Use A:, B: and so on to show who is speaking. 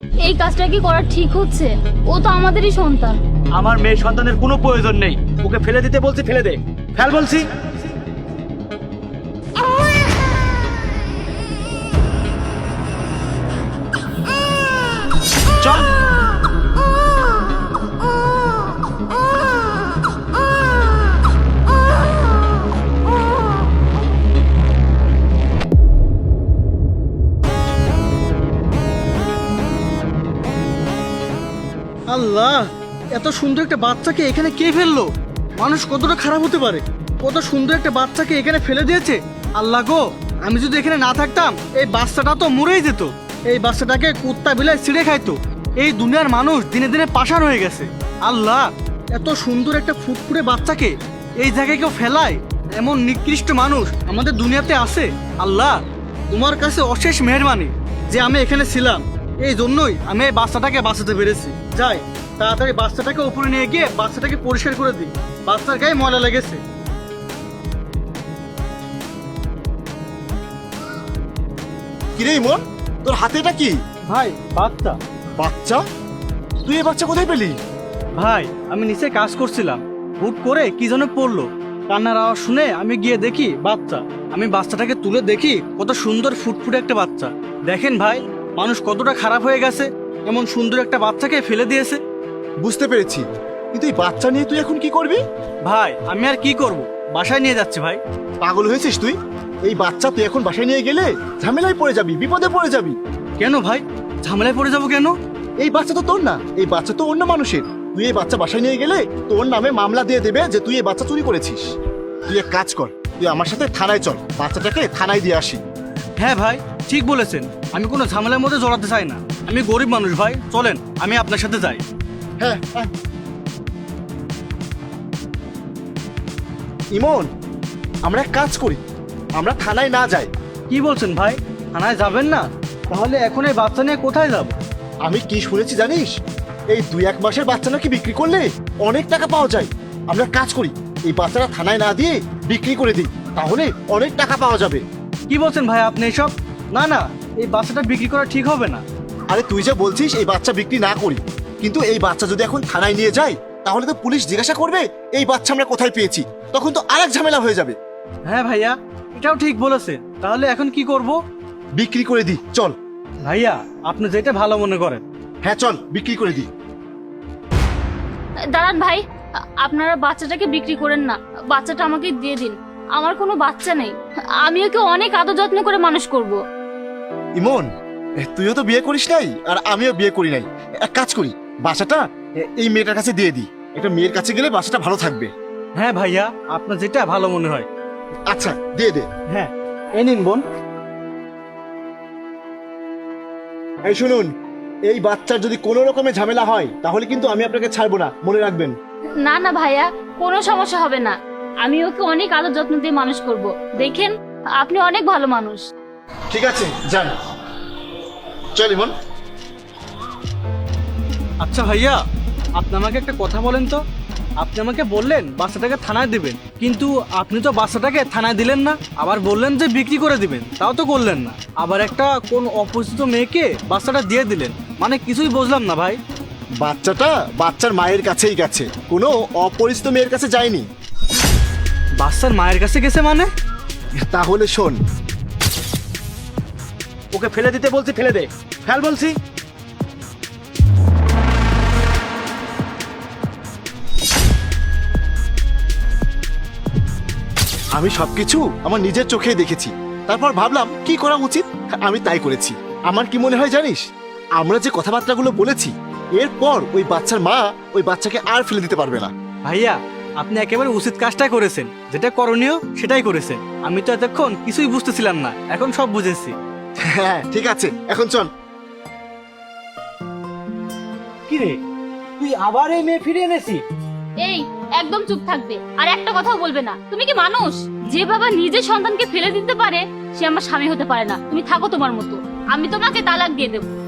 A: এই কাজটা কি করা ঠিক হচ্ছে? ও তো আমাদেরই সন্তান।
B: আমার মেয়ে সন্তানের কোনো প্রয়োজন নেই, ওকে ফেলে দিতে বলছি ফেলে দে, ফেল বলছি। চল।
C: আল্লাহ, এত সুন্দর একটা বাচ্চাকে এখানে কে ফেললো? মানুষ কতটা খারাপ হতে পারে? কত সুন্দর একটা বাচ্চাকে এখানে ফেলে দিয়েছে। আল্লাহ গো, আমি যদি এখানে না থাকতাম এই বাচ্চাটা তো মরেই যেত। এই বাচ্চাটাকে কুত্তা বিলাই ছিঁড়ে খাইতো। এই দুনিয়ার মানুষ দিনে দিনে পাষাণ হয়ে গেছে। আল্লাহ, এত সুন্দর একটা ফুটফুটে বাচ্চাকে এই জায়গায় কেউ ফেলায়? এমন নিকৃষ্ট মানুষ আমাদের দুনিয়াতে আছে? আল্লাহ, তোমার কাছে অশেষ মেহেরবানি যে আমি এখানে ছিলাম। এই জন্যই আমি এই বাচ্চাটাকে বাঁচাতে পেরেছি। যাই, তাড়াতাড়ি বাচ্চাটাকে উপরে নিয়ে গিয়ে বাচ্চাটাকে পরিষ্কার করে দিই। বাচ্চার গায়ে ময়লা লেগেছে।
D: কিরে ইমন, তোর হাতে এটা কি?
C: ভাই, বাচ্চা।
D: বাচ্চা? তুই এই বাচ্চা কোথায় পেলি?
C: ভাই, আমি নিচে কাজ করছিলাম, হুট করে কি যেন পড়লো। কান্নার আওয়াজ শুনে আমি গিয়ে দেখি বাচ্চা। আমি বাচ্চাটাকে তুলে দেখি কত সুন্দর ফুটফুটে একটা বাচ্চা। দেখেন ভাই, মানুষ কতটা খারাপ হয়ে গেছে, এমন সুন্দর একটা বাচ্চাকে ফেলে দিয়েছে।
D: বুঝতে পেরেছি, কিন্তু এই বাচ্চা নিয়ে তুই এখন কি করবি?
C: ভাই, আমি আর কি করব, বাসায় নিয়ে যাচ্ছি ভাই।
D: পাগল হয়েছিস তুই? এই বাচ্চা তুই এখন বাসায় নিয়ে গেলে ঝামেলায় পড়ে যাবি, বিপদে পড়ে যাবি।
C: কেন ভাই, ঝামেলায় পড়ে যাবো কেন?
D: এই বাচ্চা তো তোর না, এই বাচ্চা তো অন্য মানুষের। তুই এই বাচ্চা বাসায় নিয়ে গেলে তোর নামে মামলা দিয়ে দেবে যে তুই এই বাচ্চা চুরি করেছিস। তুই এক কাজ কর, তুই আমার সাথে থানায় চল, বাচ্চাটাকে থানায় দিয়ে আসি।
C: হ্যাঁ ভাই, ঠিক বলেছেন। আমি কোনো ঝামেলার মধ্যে জড়াতে চাই না। আমি গরিব মানুষ ভাই, চলেন আমি আপনার সাথে যাই।
D: হ্যাঁ হ্যাঁ। ইমন, আমরা এক কাজ করি, আমরা থানায় না যাই।
C: কি বলছেন ভাই, থানায় যাবেন না? তাহলে এখন এই বাচ্চা নিয়ে কোথায় যাব?
D: আমি কি শুনেছি জানিস? এই 2-1 মাসের বাচ্চা নাকি বিক্রি করলে অনেক টাকা পাওয়া যায়। আমরা কাজ করি, এই বাচ্চাটা থানায় না দিয়ে বিক্রি করে দিই, তাহলে অনেক টাকা পাওয়া যাবে।
C: কি বলছেন ভাই আপনি এসব? না না, এই বাচ্চাটা বিক্রি করা ঠিক হবে না।
D: আরে তুই যে বলছিস এই বাচ্চা বিক্রি না করি, কিন্তু এই বাচ্চা যদি এখন থানায় নিয়ে যায় তাহলে তো পুলিশ জিজ্ঞাসা করবে এই বাচ্চা আমরা কোথায় পেয়েছি, তখন তো আরেক ঝামেলা হয়ে যাবে।
C: হ্যাঁ ভাইয়া, এটাও ঠিক বলেছেন। তাহলে এখন কি করব?
D: বিক্রি করে দিই, চল।
C: ভাইয়া, আপনি যেটা ভালো মনে করেন।
D: হ্যাঁ চল, বিক্রি করে দিই।
A: দাঁড়ান ভাই, আপনারা বাচ্চাটাকে বিক্রি করেন না, বাচ্চাটা আমাকে দিয়ে দিন। আমার কোনো বাচ্চা নেই, আমি ওকে অনেক আদর যত্ন করে মানুষ করব।
D: ইমন, তুইও তো বিয়ে করিস নাই আর আমিও বিয়ে করি নাই। এক কাজ করি, বাচ্চাটা এই মেয়েটার কাছে দিয়ে দিই। একটা মেয়ের কাছে গেলে বাচ্চাটা ভালো থাকবে।
C: হ্যাঁ ভাইয়া, আপনার যেটা ভালো মনে হয়।
D: আচ্ছা, দিয়ে দে।
C: হ্যাঁ, এই নিন বোন।
D: এই শুনুন, এই বাচ্চার যদি কোনো রকমের ঝামেলা হয় তাহলে কিন্তু আমি আপনাকে ছাড়বো না, মনে রাখবেন।
A: না না ভাইয়া, কোনো সমস্যা হবে না। আমি ওকে অনেক আদর যত্ন দিয়ে মানুষ করব। দেখেন, আপনি অনেক ভালো মানুষ।
D: ঠিক আছে, যান। চল ইমন।
C: আচ্ছা ভাইয়া, আপনি আমাকে একটা কথা বলেন তো। আপনি আমাকে বললেন বাচ্চাটাকে থানায় দিবেন, কিন্তু আপনি তো বাচ্চাটাকে থানায় দিলেন না। আবার বললেন যে বিক্রি করে দিবেন, তাও তো করলেন না। আবার একটা কোন অপরিচিত মেয়েকে বাচ্চাটা দিয়ে দিলেন, মানে কিছুই বুঝলাম না ভাই।
D: বাচ্চাটা বাচ্চার মায়ের কাছেই গেছে, কোনো অপরিচিত মেয়ের কাছে যায়নি।
C: বাচ্চার মায়ের কাছে গেছে মানে?
D: তাহলে শোন,
B: ওকে ফেলে দিতে বলছি ফেলে দে, ফেল বলছি।
D: আমি সবকিছু আমার নিজের চোখেই দেখেছি, তারপর ভাবলাম কি করা উচিত, আমি তাই করেছি। আমার কি মনে হয় জানিস, আমরা যে কথাবার্তাগুলো বলেছি এরপর ওই বাচ্চার মা ওই বাচ্চাকে আর ফেলে দিতে পারবে না।
C: ভাইয়া, আপনি একেবারে উচিত কাজটাই করেছেন, যেটা করণীয় সেটাই করেছেন। আমি তো এতক্ষণ কিছুই বুঝতেছিলাম না, এখন সব বুঝেছি।
D: হ্যাঁ ঠিক আছে, এখন চল।
C: কি রে, তুই আবার এই মেয়ে ফিরে এনেছিস?
A: এই, একদম চুপ থাকবে আর একটা কথাও বলবে না। তুমি কি মানুষ? যে বাবা নিজের সন্তানকে ফেলে দিতে পারে সে আমার স্বামী হতে পারে না। তুমি থাকো তোমার মতো, আমি তোমাকে তালাক দিয়ে দেবো।